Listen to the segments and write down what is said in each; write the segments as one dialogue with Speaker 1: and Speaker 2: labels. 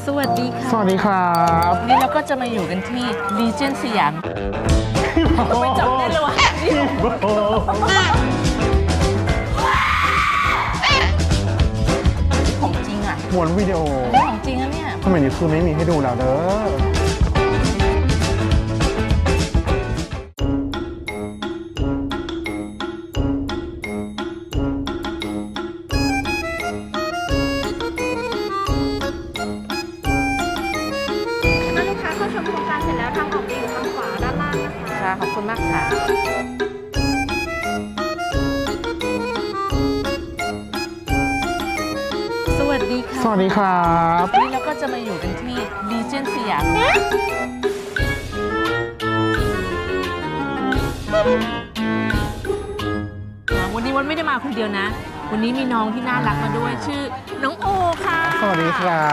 Speaker 1: สวัสดีค่ะ
Speaker 2: สวัสดีครับ
Speaker 1: วันนี้เราก็จะมาอยู่กันที่ Legend สยามไม่จำได้เลยวะของจริงอ่ะ
Speaker 2: ม้วนวิดีโอ
Speaker 1: ของจริงอะเนี่ย
Speaker 2: สมัยนี้คือไม่มีให้ดูแล้วเด้อ
Speaker 3: ลูกค้าเข้าชมโครงการเสร็จแล้วทางออกจะอยู่ทางขวาด้านล่างนะคะ
Speaker 1: ค่ะขอบคุณมากค่ะ สวัสดีค่ะ
Speaker 2: สวัสดีครับ
Speaker 1: วันนี้เราก็จะมาอยู่กันที่ Legend สยามวันนี้วันไม่ได้มาคนเดียวนะ วันนี้มีน้องที่น่ารักมาด้วยชื่อน้องโอค่ะ
Speaker 2: สวัสดีครับ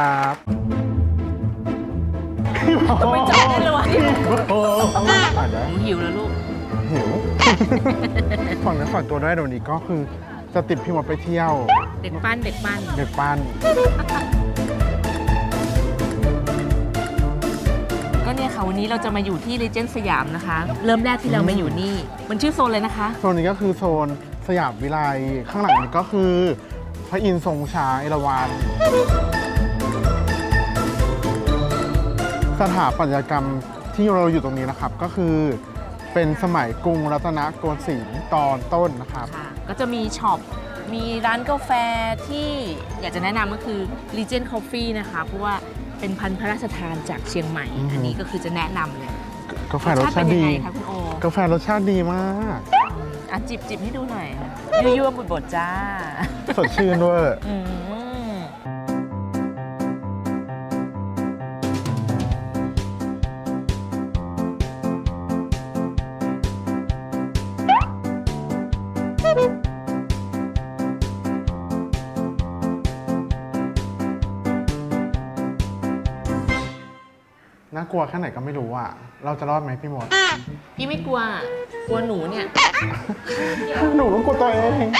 Speaker 1: ไม่จำได้เลยวะ
Speaker 2: อ่านได้
Speaker 1: หนูหิวแล้วลูก
Speaker 2: หิวฝากเนื้อฝากตัวด้วยเดี๋ยวนี้ก็คือจะติดพี่มดไปเที่ยว
Speaker 1: เด็กปั้นเด็กปั้น
Speaker 2: เด็กปั้น
Speaker 1: ก็เนี่ยค่ะวันนี้เราจะมาอยู่ที่ Legend สยามนะคะ เริ่มแรกที่เรามาอยู่นี่มันชื่อโซนเลยนะคะ
Speaker 2: โซนนี้ก็คือโซนสยามวิไลข้างหลังนี้ก็คือพระอินทร์ทรงช้างเอราวัณสถาปัตยกรรมที่เราอยู่ตรงนี้นะครับก็คือเป็นสมัยกรุงรัตนโกสินทร์ตอนต้นนะครับ
Speaker 1: ค่ะก็จะมีช็อป มีร้านกาแฟที่อยากจะแนะนำก็คือ Legend Coffee นะคะ เพราะว่าเป็นพันธุ์พระราชทานจากเชียงใหม่ อันนี้ก็คือจะแนะนำเลย
Speaker 2: กาแฟรสชาติ
Speaker 1: เป็นยั
Speaker 2: ดี
Speaker 1: งไงคะคุณโอก
Speaker 2: าแฟรสชาติดีมาก
Speaker 1: อ่ะจิบให้ดูหน่อยยั่วๆบดๆจ้า
Speaker 2: สดชื่นด้วย
Speaker 1: อืม
Speaker 2: น่ากลัวแค่ไหนก็ไม่รู้อ่ะ เราจะรอดไหมพี่มด
Speaker 1: พี่ไม่กลัว กลัวหนูเนี่ย
Speaker 2: หนูต้องกลัวตัวเอง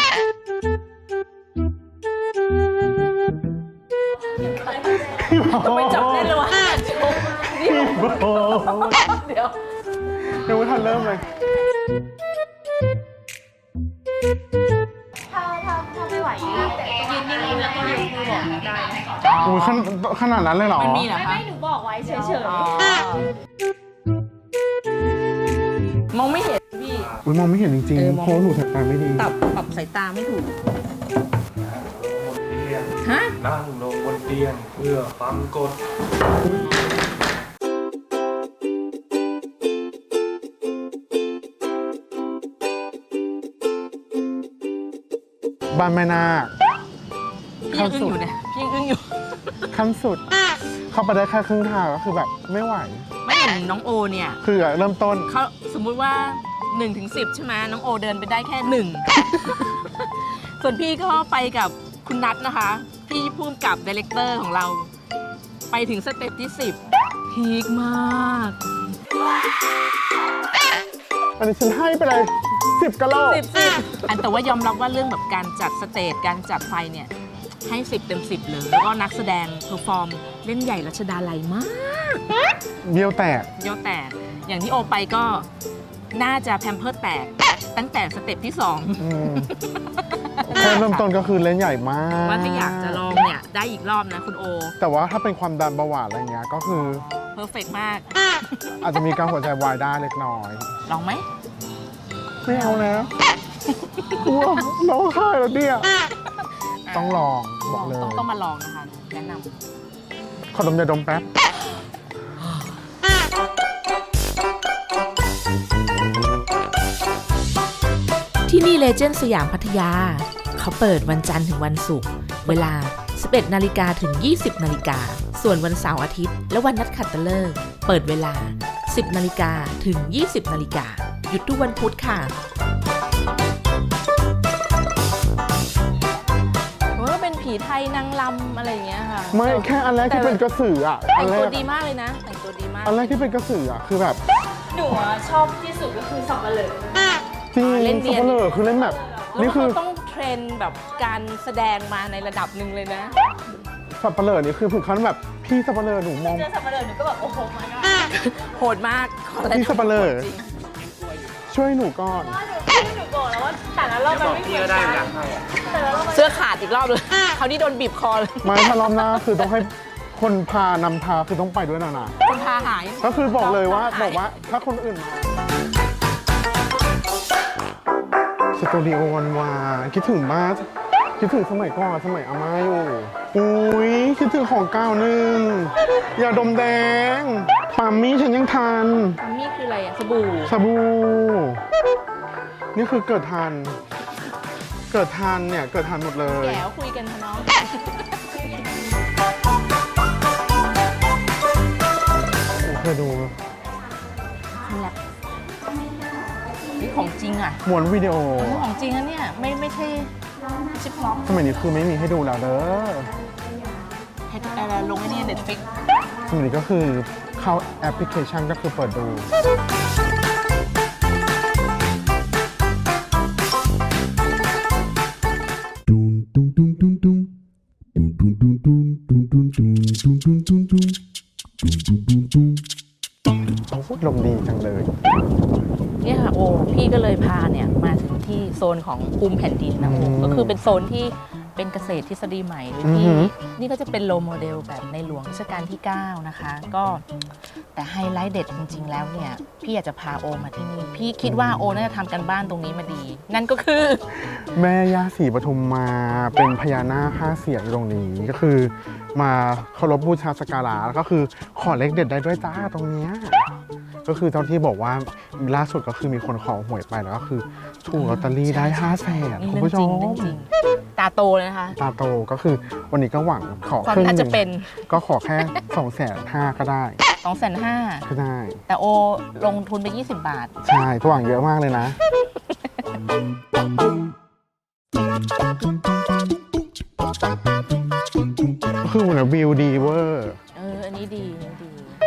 Speaker 1: ไม่จำได้เลยวะเดี๋ยว
Speaker 2: ยังไม่ทันเริ่มเลย
Speaker 3: ถ้าไม่ไหวยืนนิ่งๆแล้วก็ยกมือบอกได้นะ
Speaker 2: โอ้ยขนาดนั้นเลยเหรอ
Speaker 1: มันมีเหรอคะ
Speaker 3: ไม่หนูบอกไว้เฉย
Speaker 1: อ๋อมองไม่เห็นพี่
Speaker 2: อุ๊ยมองไม่เห็นจริง
Speaker 1: เออ
Speaker 2: ๆ
Speaker 1: มอง
Speaker 2: เพราะว่าหนูสายตาไม่ดี
Speaker 1: ปรับสายตาไม่ถูก ฮะ
Speaker 4: นั่งลงบนเตียงเพื่อฟังกฎ
Speaker 2: บ้านแม่นาค
Speaker 1: พี่ยังอึ้งอยู่เนี่ยพี่ยังอึ้งอยู่
Speaker 2: ขั้นสุด เข้าไปได้แค่ครึ่งทางก็คือแบบไม่ไหว
Speaker 1: ไม่เห็นน้องโอเนี่ย
Speaker 2: คือเริ่มต้น
Speaker 1: เขาสมมุติว่า1 ถึง 10 ใช่ไหมน้องโอเดินไปได้แค่ 1 ส่วนพี่ก็ไปกับคุณนัทนะคะ พี่พุ่มกับดีเลกเตอร์ของเรา ไปถึงสเต็ปที่ 10 พีคมาก
Speaker 2: อันนี้ฉันให้ไปเลย 10กะโหลก
Speaker 1: 10อันแต่ว่ายอมรับว่าเรื่องแบบการจัดสเตจการจัดไฟเนี่ย ให้ 10 เต็ม 10 เลย แล้วก็นักแสดงเพอร์ฟอร์มเล่นใหญ่รัชดาลัยมาก
Speaker 2: เบี้ยวแตก
Speaker 1: เยอะแต่อย่างที่โอไปก็น่าจะแพมเพิร์สแตกตั้งแต่สเต็ปที่
Speaker 2: อืมแค่เริ่มต้นก็คือเล่นใหญ่มาก
Speaker 1: 2 ว่าถ้าอยากจะลองเนี่ย ได้อีกรอบนะคุณโอ
Speaker 2: แต่ว่าถ้าเป็นความดันเบาหวานอะไรเงี้ยก็คือ
Speaker 1: เพอร์เฟกมาก
Speaker 2: อาจจะมีการหัวใจวายได้เล็กน้อย
Speaker 1: ลองไหม
Speaker 2: ไม่เอาแล้วกลัวร้องไห้แล้วเนี่ยต้องลองบอกเลย
Speaker 1: ต้องมาลองนะคะ แนะน
Speaker 2: ขอดมยาดมแป๊บ
Speaker 1: ำที่นี่เลเจนด์สยามพัทยา เขาเปิดวันจันทร์ถึงวันศุกร์เวลา 11 นาฬิกาถึง 20 นาฬิกา ส่วนวันเสาร์อาทิตย์และวันนัดขัตฤกษ์เปิดเวลา 10 นาฬิกาถึง 20 นาฬิกา หยุดทุกวันพุธค่ะว่าเป็นผีไทยนางลำอะไรอย่างเงี้ยค่ะ
Speaker 2: ไม่แค่อันแรกที่เป็นกระสืออ่ะ
Speaker 1: แต่
Speaker 2: อั
Speaker 1: ง
Speaker 2: นแร
Speaker 1: ตัว
Speaker 2: ก
Speaker 1: ดีมากเลยนะ แต่งตัวดีมาก
Speaker 2: อันแรกที่เป็นกระสืออ่ะคือแบบ
Speaker 3: ๆหนูชอบที่สุดก็คือสับปะเหร่อ
Speaker 2: จริง
Speaker 1: เล่น
Speaker 2: สับปะเลอคือเล่นแบบ
Speaker 1: แล้ว
Speaker 2: นี่คื
Speaker 1: เขา
Speaker 2: อ
Speaker 1: ต้องเทรนแบบการแสดงมาในระดับหนึ่งเลยนะ
Speaker 2: สับปะเลอนี่คือถึงขั้นแบบพี่สับปะเลอหนูมอง
Speaker 3: เจอสับปะเลอหนูก็แบบโอ้โหมาก็
Speaker 1: โหดมากขออะไร
Speaker 2: พี่สับปะเลอ
Speaker 1: จริง
Speaker 2: ช่วยหนูก่อน
Speaker 3: หนูบอกแล้วว่าแต่ละรอบมันไม่เหมือนกันแต่ละรอบมัน
Speaker 1: เสื้อขาดอีกรอบเลยคราวนี้โดนบีบคอเลย
Speaker 2: ไม่ถ้ารอบหน้าคือต้องให้คนพานำพาคือต้องไปด้วยนะ
Speaker 1: คนพาหาย
Speaker 2: ก็คือบอกเลยว่า
Speaker 1: ห
Speaker 2: บอกว่าถ้าคนอื่นมาสตูดิโอวันวาคิดถึงบ้านคิดถึงสมัยก่อนสมัยอาม่าอยู่อุ้ยคิดถึงของเก่าหนึ่งยาดมแดงปามมี่ฉันยังทัน
Speaker 1: นี่คืออะไรอะสบู่
Speaker 2: สบู่นี่คือเกิดทันเนี่ยเกิดทันหมดเลย
Speaker 1: แก้วคุยกันค่ะน้อง
Speaker 2: เคยดู
Speaker 1: นี่ของจริงอ่ะ
Speaker 2: ม้วนวิดีโอ
Speaker 1: นี่ของจริงนะเนี่ยไม่ใช่ชิปล็อก
Speaker 2: สมัยนี้คือไม่มีให้ดูแล้วเด้อ
Speaker 1: ให้อะไรลงไอ้นี่เน็ตฟิก
Speaker 2: สมัยนี้ก็คือเข้าแอปพลิเคชันก็คือเปิดดูโอ้โหลมดีจังเลย
Speaker 1: เนี่ยค่ะโอ้พี่ก็เลยพาเนี่ยมาถึงที่โซนของภูมิแผ่นดินนะโอ้ก็คือเป็นโซนที่เป็นเกษตรทฤษฎีใหม่โดยที่นี่ก็จะเป็นโลโมเดลแบบในหลวงรัชกาลที่ 9 นะคะ ก็แต่ไฮไลท์เด็ดจริง ๆ แล้วเนี่ยพี่อยากจะพาโอมาที่นี่พี่คิดว่าโอน่าจะทำกันบ้านตรงนี้มาดี นั่นก็คือ
Speaker 2: แม่ย่าศรีปทุมมาเป็นพญานาค5 เสียนอยู่ตรงนี้ก็คือมาเคารพบูชาสักการะแล้วก็คือขอเลขเด็ดได้ด้วยจ้าตรงเนี้ยก็คือตอนที่บอกว่าล่าสุดก็คือมีคนขอหวยไปแล้วก็คือถูกลอตเตอรี่ได้5 แสน
Speaker 1: นี่
Speaker 2: คุณ
Speaker 1: เรื่อง
Speaker 2: ผู้ช
Speaker 1: จริง
Speaker 2: ม
Speaker 1: เรื่องจริงตาโตเลยนะคะ
Speaker 2: ตาโตก็คือวันนี้ก็หวังขอ
Speaker 1: ความ
Speaker 2: ครึ่ง
Speaker 1: น่า
Speaker 2: ห
Speaker 1: จะ
Speaker 2: นึ่ง
Speaker 1: เป็น
Speaker 2: ก็ขอแค่250,000ก็ได้
Speaker 1: 250,000
Speaker 2: ก็ได้
Speaker 1: แต่โอลงทุนไป20 บาท
Speaker 2: ใช่ทุกอย่างเยอะมากเลยนะก็คือเหมือนวิวดีเวอร์
Speaker 1: อันนี้ดีอันนี้ดี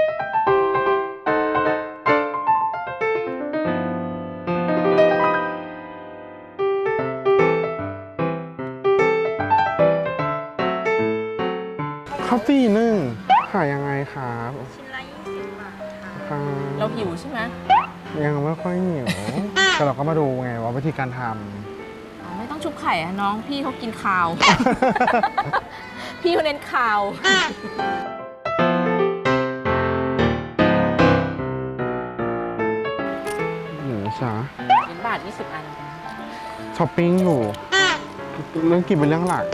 Speaker 2: ข้าวตีนึ่งขายยังไงครับ
Speaker 3: ชิ้นละ20 บาทค่ะ
Speaker 2: ครับ
Speaker 1: เราหิวใช่ไหม
Speaker 2: ยังไม่ค่อยเหนียว แต่เราก็มาดูไงว่าวิธีการท
Speaker 1: อ๋อไม่ต้องชุบไข่อะน้องพี่เขากินข้าว พี่เขาเน้นข้าว
Speaker 2: ำหรือช้า
Speaker 1: 20 บาท 20 อัน
Speaker 2: ช้อปปิ้งอยู่ เรื่องกินเป็นเรื่องหลัก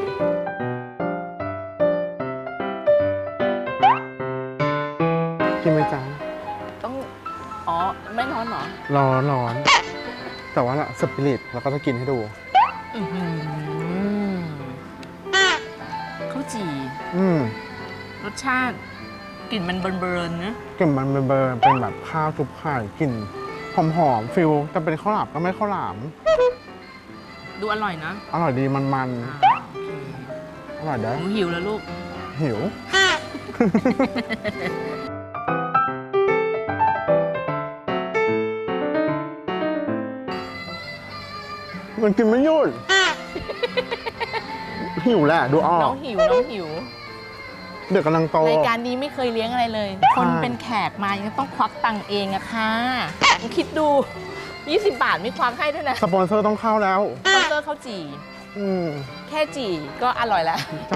Speaker 2: กินไหมจ๊ะ
Speaker 1: ต้อง อ๋อ ไม่ร้อนเหรอ
Speaker 2: ร้อน แต่ว่าสปิริตเราก็จะกินให้ดู
Speaker 1: อื้อหือข้าวจี่ รสชาติกลิ่นมันเบิร์นๆนะ
Speaker 2: กลิ่นมันเบอร์เป็นแบบข้าวทุบไข่กลิ่นหอมๆฟิลแต่เป็นข้าวหลามก็ไม่ข้าวหลาม
Speaker 1: ดูอร่อยนะ
Speaker 2: อร่อยดีมัน
Speaker 1: โอเค
Speaker 2: ๆ อร่อยเด้อ
Speaker 1: หนูหิวแล้วลูก
Speaker 2: หิว มันกินไม่หยุด หิวแหละดูออ
Speaker 1: น้
Speaker 2: ก
Speaker 1: องหิว น้องหิว
Speaker 2: เด็กกำลังโต
Speaker 1: รายการนี้ไม่เคยเลี้ยงอะไรเลย คนเป็นแขกมายังต้องควักตังค์เองอะค่ะคิดดู 20 บาทไม่ควักให้ด้วยนะ
Speaker 2: สปอนเซอร์ต้องเข้าแล้ว
Speaker 1: สปอนเซอร์ข้าวจี่ แค่จี่ก็อร่อยแล้ว
Speaker 2: ใช่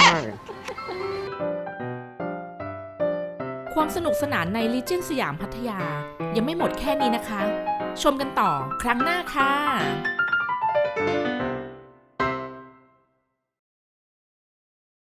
Speaker 1: ความสนุกสนานใน Legend สยามพัทยา ยังไม่หมดแค่นี้นะคะ ชมกันต่อครั้งหน้าค่ะ